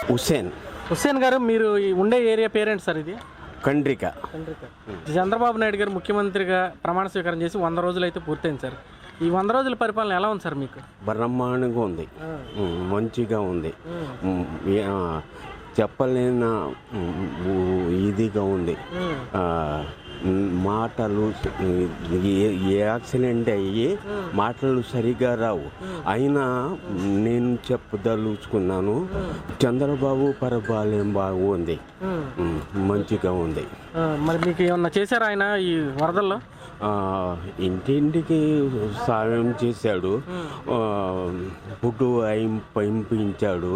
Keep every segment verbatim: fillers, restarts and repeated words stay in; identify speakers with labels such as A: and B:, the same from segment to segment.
A: హుస్సేన్
B: హుస్సేన్ గారు, మీరు ఈ ఉండే ఏరియా పేరేంటి సార్? ఇది
A: కండ్రిక.
B: కండ్రిక. చంద్రబాబు నాయుడు గారు ముఖ్యమంత్రిగా ప్రమాణ స్వీకారం చేసి వంద రోజులు అయితే పూర్తయింది సార్. ఈ వంద రోజుల పరిపాలన ఎలా ఉంది సార్ మీకు?
A: బ్రహ్మాండంగా ఉంది, మంచిగా ఉంది, చెప్పలేన ఇదిగా ఉంది. మాటలు యాక్సిడెంట్ అయ్యి మాటలు సరిగా రావు. అయినా నేను చెప్పదలుచుకున్నాను, చంద్రబాబు పరిపాలన బాగుంది, మంచిగా ఉంది.
B: మరి మీకు ఏమన్నా చేశారు ఆయన ఈ వరదల్లో?
A: ఇంటింటికి సాయం చేశాడు, ఫుడ్ పంపించాడు,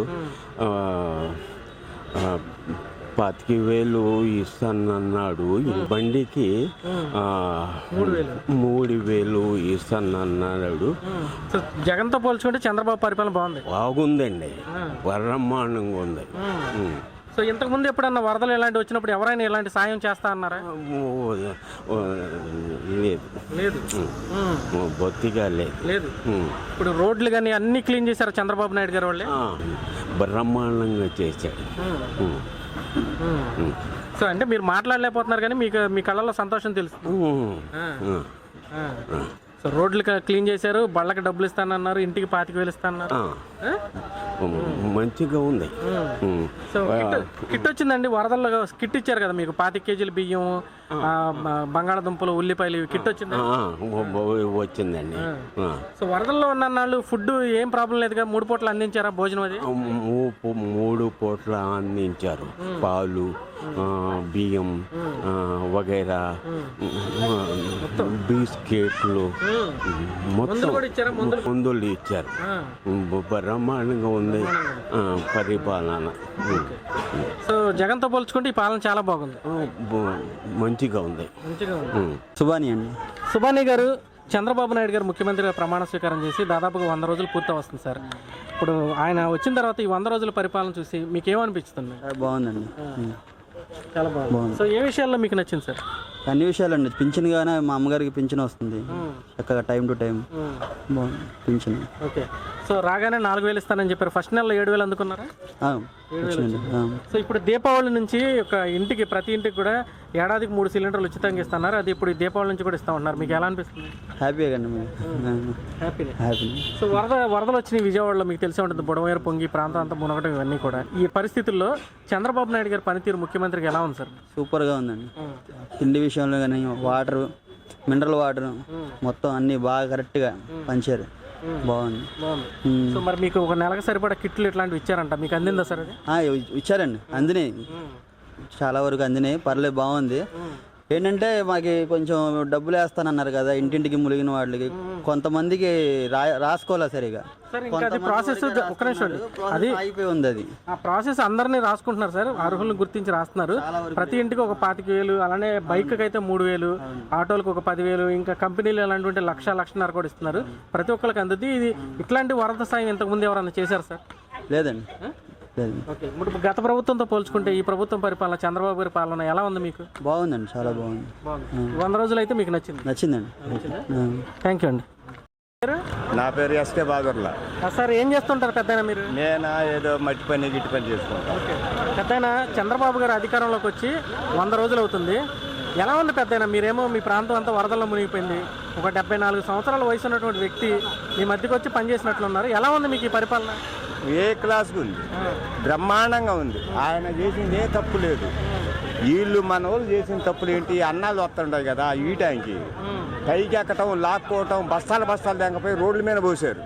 A: పాతికి వేలు ఇస్తానన్నాడు. బండికి మూడు వేలు ఇస్తానన్నాడు.
B: జగన్తో పోల్చుకుంటే చంద్రబాబు పరిపాలన బాగుంది,
A: బాగుందండి, బ్రహ్మాండంగా ఉంది.
B: సో ఇంతకుముందు ఎప్పుడన్నా వరదలు ఇలాంటి వచ్చినప్పుడు ఎవరైనా ఇలాంటి సాయం చేస్తా అన్నారా?
A: లేదు
B: లేదు
A: బొత్తిగా లేదు
B: లేదు ఇప్పుడు రోడ్లు కానీ అన్ని క్లీన్ చేశారు చంద్రబాబు నాయుడు గారు వాళ్ళే,
A: బ్రహ్మాండంగా చేశాడు.
B: సో అంటే మీరు మాట్లాడలేకపోతున్నారు కానీ మీకు మీ కళ్ళలో సంతోషం తెలుసు. సో రోడ్లు క్లీన్ చేశారు, బళ్ళకి డబ్బులు ఇస్తానన్నారు, ఇంటికి పాతికి వేలు ఇస్తానన్నారు,
A: మంచిగా ఉంది.
B: సో కిట్ వచ్చిందండి వరదల్లో, కిట్ ఇచ్చారు కదా మీకు, పాతిక కేజీల బియ్యం, బంగాళదుంపలు, ఉల్లిపాయలు కిట్ వచ్చింది
A: వచ్చిందండి.
B: సో వరదల్లో ఉన్న వాళ్ళు ఫుడ్ ఏం ప్రాబ్లం లేదుగా, మూడు పూటలు అందించారా భోజనం? అది
A: మూడు పూటలు అందించారు, పాలు, బియ్యం వగైరా, బిస్కెట్లు, మొత్తం మందులు ఇచ్చారు. బ్రహ్మాండంగా ఉంది పరిపాలన.
B: సో జగన్తో పోల్చుకుంటే ఈ పాలన చాలా బాగుంది,
A: మంచిగా ఉంది.
C: సుబాని అండి.
B: సుబాని గారు, చంద్రబాబు నాయుడు గారు ముఖ్యమంత్రిగా ప్రమాణ స్వీకారం చేసి దాదాపుగా వంద రోజులు పూర్తి వస్తుంది సార్. ఇప్పుడు ఆయన వచ్చిన తర్వాత ఈ వంద రోజుల పరిపాలన చూసి మీకు ఏమనిపిస్తుంది?
C: బాగుందండి,
B: చాలా బాగుంది. సో ఏ విషయాల్లో మీకు నచ్చింది సార్?
C: అన్ని విషయాలు అండి. పింఛన్ గానే మా అమ్మగారికి పింఛన్ వస్తుంది చక్కగా, టైం టు టైం బాగుంది పింఛన్.
B: ఓకే. సో రాగానే నాలుగు వేలు ఇస్తానని చెప్పారు, ఫస్ట్ నెలలో ఏడు వేలు అందుకున్నారా? సో ఇప్పుడు దీపావళి నుంచి ఒక ఇంటికి, ప్రతి ఇంటికి కూడా ఏడాదికి మూడు సిలిండర్లు ఉచితంగా ఇస్తున్నారు. అది ఇప్పుడు దీపావళి నుంచి కూడా ఇస్తా ఉన్నారు. మీకు ఎలా అనిపిస్తుంది?
C: హ్యాపీగా అండి,
B: హ్యాపీ
C: హ్యాపీ.
B: సో వరద వరదలు వచ్చినాయి విజయవాడలో, మీకు తెలిసే ఉంటుంది, బుడమేరు పొంగి ప్రాంతం అంతా మునగడం, ఇవన్నీ కూడా. ఈ పరిస్థితుల్లో చంద్రబాబు నాయుడు గారి పనితీరు ముఖ్యమంత్రికి ఎలా ఉంది సార్?
C: సూపర్గా ఉందండి. తిండి విషయంలో కానీ, వాటర్, మినరల్ వాటర్ మొత్తం అన్ని బాగా కరెక్ట్గా పంచారు, బాగుంది.
B: సో మరి మీకు ఒక నెలకు సరిపడా కిట్లు ఇట్లాంటివి ఇచ్చారంట, మీకు అందిందా సార్? అది
C: ఇచ్చారండి, అందినాయి, చాలా వరకు అందినాయి, పర్లేదు, బాగుంది. ఏంటంటే మాకు కొంచెం డబ్బులు వేస్తానన్నారు కదా ఇంటింటికి ములిగిన వాళ్ళకి, కొంతమందికి రా రాసుకోలే సరిగా.
B: ప్రాసెస్ అది
C: అయిపోయి ఉంది. అది
B: ఆ ప్రాసెస్ అందరినీ రాసుకుంటున్నారు సార్, అర్హులను గుర్తించి రాస్తున్నారు. ప్రతి ఇంటికి ఒక పాతిక వేలు, అలానే బైక్ అయితే మూడు వేలు, ఆటోలకు ఒక పదివేలు, ఇంకా కంపెనీలు ఎలాంటి లక్ష లక్షన్నర కూడా ఇస్తున్నారు. ప్రతి ఒక్కరికి అందుతుంది. ఇది ఇట్లాంటి వరద సాయం ఇంతకుముందు ఎవరన్నా చేశారు సార్?
C: లేదండి, లేదు.
B: ఓకే. ఇప్పుడు గత ప్రభుత్వంతో పోల్చుకుంటే ఈ ప్రభుత్వం పరిపాలన, చంద్రబాబు గారి పాలన ఎలా ఉంది మీకు?
C: బాగుందండి, చాలా బాగుంది.
B: వంద రోజులు అయితే మీకు నచ్చింది?
C: నచ్చిందండి.
B: థ్యాంక్ యూ అండి.
D: నా పేరు ఎస్కే బాగర్లా
B: సార్. ఏం చేస్తుంటారు పెద్దయినా మీరు?
D: నేను ఏదో మట్టి పని గిట్టి పని చేసుకుంటాను.
B: ఓకే. పెద్దయినా చంద్రబాబు గారు అధికారంలోకి వచ్చి వంద రోజులు అవుతుంది, ఎలా ఉంది పెద్దయినా? మీరేమో మీ ప్రాంతం అంతా వరదల్లో మునిగిపోయింది, ఒక డెబ్బై నాలుగు సంవత్సరాల వయసు ఉన్నటువంటి వ్యక్తి మీ మధ్యకి వచ్చి పనిచేసినట్లున్నారు. ఎలా ఉంది మీకు ఈ పరిపాలన?
D: ఏ క్లాస్గా ఉంది, బ్రహ్మాండంగా ఉంది. ఆయన చేసింది ఏ తప్పు లేదు. వీళ్ళు మన వాళ్ళు చేసిన తప్పులు ఏంటి? అన్నాలు వస్తుంటాయి కదా ఈ టైంకి, పైకి ఎక్కటం, లాక్కోవటం, బస్తాలు బస్తాలు తెగపోయి రోడ్ల మీద పోసారు.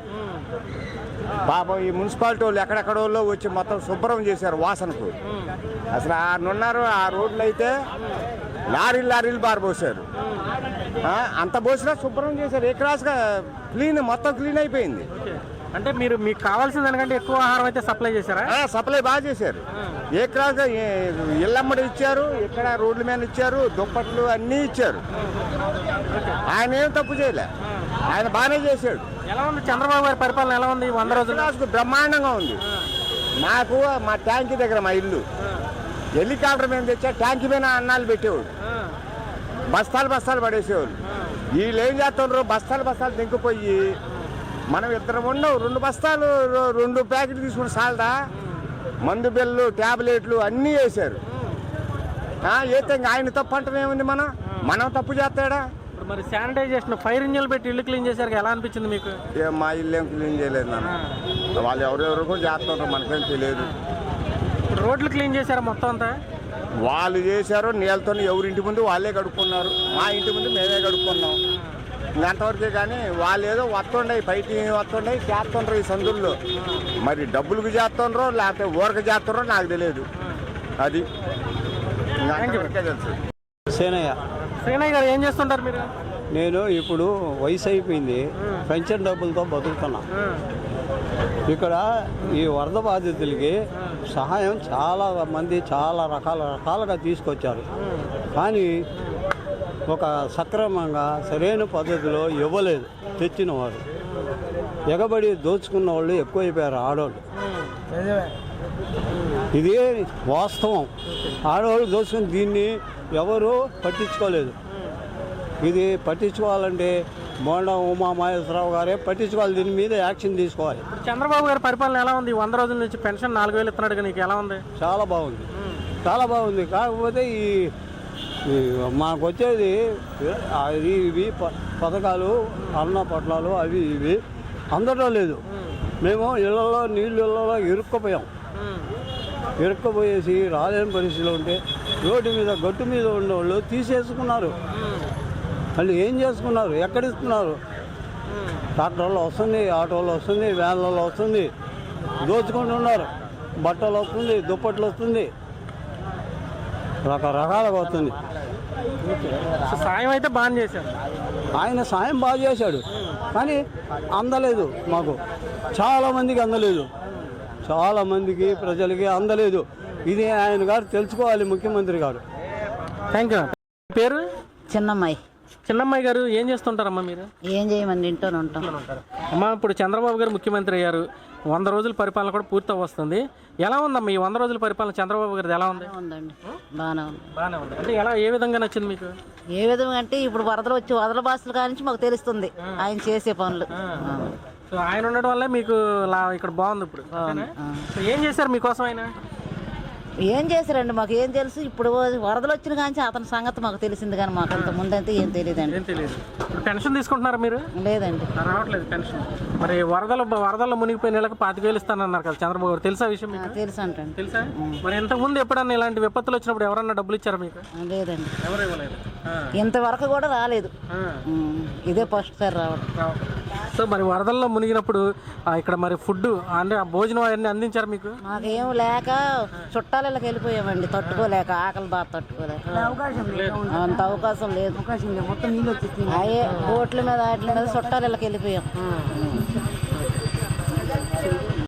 D: పాపం ఈ మున్సిపాలిటీ వాళ్ళు ఎక్కడెక్కడ వాళ్ళు వచ్చి మొత్తం శుభ్రం చేశారు వాసనకు. అసలు ఆరున్నారు ఆ రోడ్లు అయితే లారీలు లారీలు బారబోసారు, అంత పోసినా శుభ్రం చేశారు. ఏ క్లాస్గా క్లీన్, మొత్తం క్లీన్ అయిపోయింది.
B: అంటే మీరు మీకు కావాల్సిన దానికంటే ఎక్కువ ఆహారం అయితే సప్లై చేశారా?
D: సప్లై బాగా చేశారు. ఏ క్లాస్గా ఇళ్ళమ్మడి ఇచ్చారు, ఇక్కడ రోడ్ల మీద ఇచ్చారు, దుప్పట్లు అన్నీ ఇచ్చారు. ఆయన ఏం తప్పు చేయలే, ఆయన బాగానే చేశాడు.
B: ఎలా ఉంది చంద్రబాబు గారి పరిపాలన? ఎలా ఉంది వంద రోజులు?
D: బ్రహ్మాండంగా ఉంది. నాకు మా ట్యాంకీ దగ్గర మా ఇల్లు, హెలికాప్టర్ మీద తెచ్చా, ట్యాంకీ మీద అన్నాలు పెట్టేవాడు, బస్తాలు బస్తాలు పడేసేవాళ్ళు. వీళ్ళు ఏం చేస్తున్నారు, బస్తాలు బస్తాలు దింకిపోయి మనం ఇద్దరం ఉండవు, రెండు బస్తాలు రెండు ప్యాకెట్లు తీసుకుని సాలదా, మందు బిల్లు ట్యాబ్లెట్లు అన్నీ వేశారు. అయితే ఆయన తప్పు అంటాం ఏముంది, మనం మనం తప్పు చేస్తాడా?
B: ఇప్పుడు మరి శానిటైజేషన్ ఫైర్ ఇంజిన్లు పెట్టి ఇల్లు క్లీన్ చేశారు, ఎలా అనిపించింది మీకు?
D: ఏం మా ఇల్లు ఏం క్లీన్ చేయలేదు నాన్న, వాళ్ళు ఎవరెవరు కూడా చేస్తుంటారు, మనకేం తెలియదు.
B: ఇప్పుడు రోడ్లు క్లీన్ చేశారా మొత్తం అంతా?
D: వాళ్ళు చేశారు, నీళ్ళతో ఎవరింటి ముందు వాళ్ళే కడుక్కున్నారు, మా ఇంటి ముందు మేమే కడుక్కున్నాం. ఇంకంతవరకే కానీ వాళ్ళు ఏదో వస్తుండే బయట వస్తుండే చేస్తుండ్రు ఈ సందుల్లో. మరి డబ్బులకు చేస్తుండ్రో లేకపోతే ఊరక చేస్తుండ్రో నాకు తెలియదు. అది ఇంకంతవరకే తెలుసు.
E: సేనయ్య,
B: శ్రీనయ్య గారు ఏం చేస్తుంటారు మీరు?
E: నేను ఇప్పుడు వయసు అయిపోయింది, పెన్షన్ డబ్బులతో బతుకుతున్నా. ఇక్కడ ఈ వరద బాధితులకి సహాయం చాలా మంది చాలా రకాల రకాలుగా తీసుకొచ్చారు, కానీ ఒక సక్రమంగా సరైన పద్ధతిలో ఇవ్వలేదు తెచ్చిన వారు. ఎగబడి దోచుకున్న వాళ్ళు ఎక్కువైపోయారు ఆడవాళ్ళు. ఇది వాస్తవం. ఆడవాళ్ళు దోచుకుని దీన్ని ఎవరు పట్టించుకోలేదు. ఇది పట్టించుకోవాలంటే మోండా ఉమా మహేశ్వరరావు గారే పట్టించుకోవాలి, దీని మీద యాక్షన్ తీసుకోవాలి.
B: చంద్రబాబు గారి పరిపాలన ఎలా ఉంది? వంద రోజుల నుంచి పెన్షన్ నాలుగు వేలు ఇస్తున్నాడు, నీకు ఎలా ఉంది?
E: చాలా బాగుంది, చాలా బాగుంది. కాకపోతే ఈ ఈ మాకు వచ్చేది అది ఇవి ప- పథకాలు అన్న పట్టాలు అవి ఇవి అందడం లేదు. మేము ఇళ్లలో నీళ్ళు ఇళ్లలో ఇరుక్కుపోయాం. ఇరుక్కుపోయేసి రాలేని పరిస్థితిలో ఉంటే రోడ్డు మీద గట్టు మీద ఉన్నవాళ్ళు తీసేసుకున్నారు. వాళ్ళు ఏం చేసుకున్నారు? ఎక్కడిస్తున్నారు? ట్రాక్టర్లో వస్తుంది, ఆటోలో వస్తుంది, వ్యాన్లలో వస్తుంది, దోచుకుంటున్నారు. బట్టలు వస్తుంది, దుప్పట్లు వస్తుంది, రకరకాలుగా వస్తుంది.
B: సో సాయం అయితే బాగా చేశారు.
E: ఆయన సాయం బాగా చేశాడు, కానీ అందలేదు మాకు. చాలామందికి అందలేదు, చాలామందికి ప్రజలకి అందలేదు. ఇది ఆయన గారు తెలుసుకోవాలి, ముఖ్యమంత్రి గారు.
B: Thank you. పేరు?
F: చిన్నమ్మాయి.
B: చిన్నమ్మాయి గారు ఏం చేస్తుంటారమ్మా మీరు?
F: ఏం చేయమండి, ఇంట్లోనే ఉంటాం.
B: అమ్మా, ఇప్పుడు చంద్రబాబు గారు ముఖ్యమంత్రి అయ్యారు, వంద రోజుల పరిపాలన కూడా పూర్తి వస్తుంది. ఎలా ఉందమ్మా ఈ వంద రోజుల పరిపాలన చంద్రబాబు గారిది? ఎలా ఉంది?
F: ఉందండి, బాగానే ఉంది.
B: బాగానే ఉంది. అంటే ఎలా, ఏ విధంగా నచ్చింది మీకు?
F: ఏ విధంగా అంటే ఇప్పుడు వరదలు వచ్చి వరదల బాసులు కానించి మాకు తెలుస్తుంది ఆయన చేసే పనులు.
B: సో ఆయన ఉండడం వల్లే మీకు లా ఇక్కడ బాగుంది ఇప్పుడు. సో ఏం చేశారు మీకోసం ఆయన?
F: ఏం చేశారండి మాకు ఏం తెలుసు. ఇప్పుడు వరదలు వచ్చిన కానీ అతని సంగతి మాకు తెలిసింది, కానీ మాకు అంత ముందంతే ఏం తెలియదండి.
B: ఏం తెలియదు. ఇప్పుడు పెన్షన్ తీసుకుంటున్నారా మీరు?
F: లేదండి,
B: రావట్లేదు పెన్షన్. మరి వరదల వరదల్లో మునిగిపోయిన నెలకు పాతిక వేలు ఇస్తానన్నారు కదా చంద్రబాబు గారు, తెలుసా విషయం మీకు?
F: తెలుసు అంటండి.
B: తెలుసా? మరి ఇంతకుముందు ఎప్పుడన్నా ఇలాంటి విపత్తులు వచ్చినప్పుడు ఎవరన్నా డబ్బులు ఇచ్చారా మీకు?
F: లేదండి,
B: ఎవరు ఇవ్వలేదు.
F: ఇంతవరకు కూడా రాలేదు. ఉమ్, ఇదే ఫస్ట్ సారి రావడం.
B: సో మరి వరదల్లో మునిగినప్పుడు ఆ, ఇక్కడ మరి ఫుడ్ అంటే ఆ భోజనం అవన్నీ అందించారు మీకు?
F: మాకేం లేక చుట్టాలకి వెళ్ళిపోయామండి, తట్టుకోలేక, ఆకలి బాగా తట్టుకోలేక. అంత అవకాశం లేదు. మొత్తం నీళ్ళు వచ్చేసి అయ్యే బోట్ల మీద వాటి మీద చుట్టాలకి వెళ్ళిపోయాం.